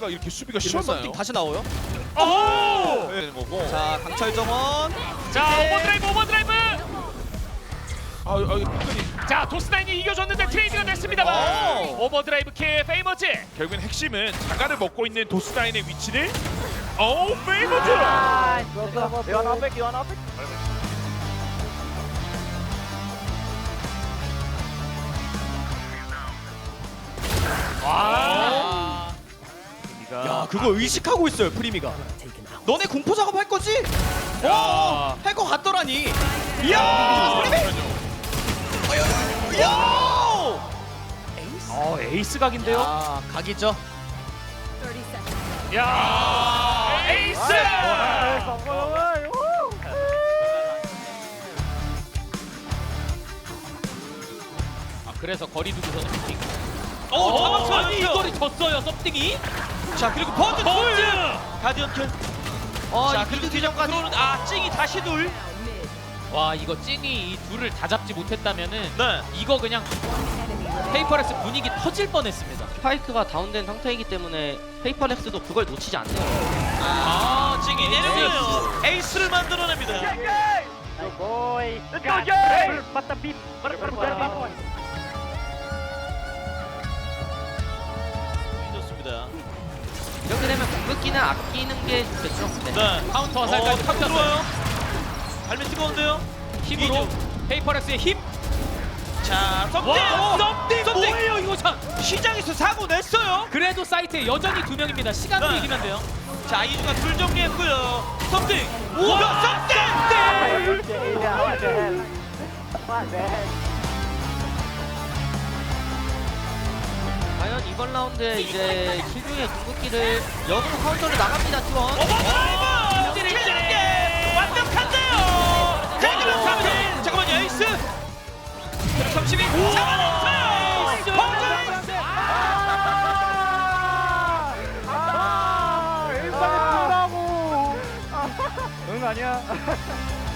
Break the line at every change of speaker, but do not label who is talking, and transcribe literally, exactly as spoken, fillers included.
에이스가 이렇게 수비가
이러면
쉬웠나요?
썸띵 다시 나와요.
오!
되는 거고.
자 강철 정원.
자 오버드라이브 오버드라이브.
아, 아, 끝까지.
자 도스나인이 이겨줬는데 트레이드가 됐습니다만
오.
오버드라이브 킬 페이머즈.
결국엔 핵심은 자가를 먹고 있는 도스다인의 위치를. 오, 페이머즈.
와.
야 그거 의식하고 있어요 프리미가. 너네 공포 작업 할 거지?
야.
어, 할 거 같더라니. 이야 프리미. 이야.
어 에이스 각인데요.
아 각이죠.
야 에이스.
아 그래서 거리 두고서는 슈팅.
오
어,
잡았어요.
아니 이거를 졌어요 썸띵이.
자 그리고 버즈
버즈.
가디언 킬. 어,
자
자
그리고
그리고
뒤정까지
뒤정까지.
들어오는 아 찡이 다시 둘. 와 이거 찡이 이 둘을 다 잡지 못했다면은
네.
이거 그냥 페이퍼렉스 분위기 터질 뻔했습니다.
스파이크가 다운된 상태이기 때문에 페이퍼렉스도 그걸 놓치지 않네요.
아 찡이 내려오네요.
에이스를 만들어냅니다. 좋습니다.
이렇게 되면 궁극기는 아끼는 게 좋겠죠. 네.
네.
카운터 화살까지
어,
탑
들어와요. 발밑 뜨거운데요.
힘으로 페이퍼렉스의 힘.
자, 썸띵!
와,
썸띵!
썸띵!
뭐예요 이거 참! 시장에서 사고 냈어요!
그래도 사이트에 여전히 두 명입니다. 시간도
네.
이기면 돼요.
자, 이주가 둘 정리했고요. 썸띵! 우와! 썸띵!
과연 이번 라운드에 이제 킬중의 궁극기를 역으로 카운터를 나갑니다. 티원.
오버드라이브! 킬게 완벽한데요! 자, 이러면 삼 잠깐만요, 에이스! 삼십이 잡아냈어요! 버즈!
응 아니야.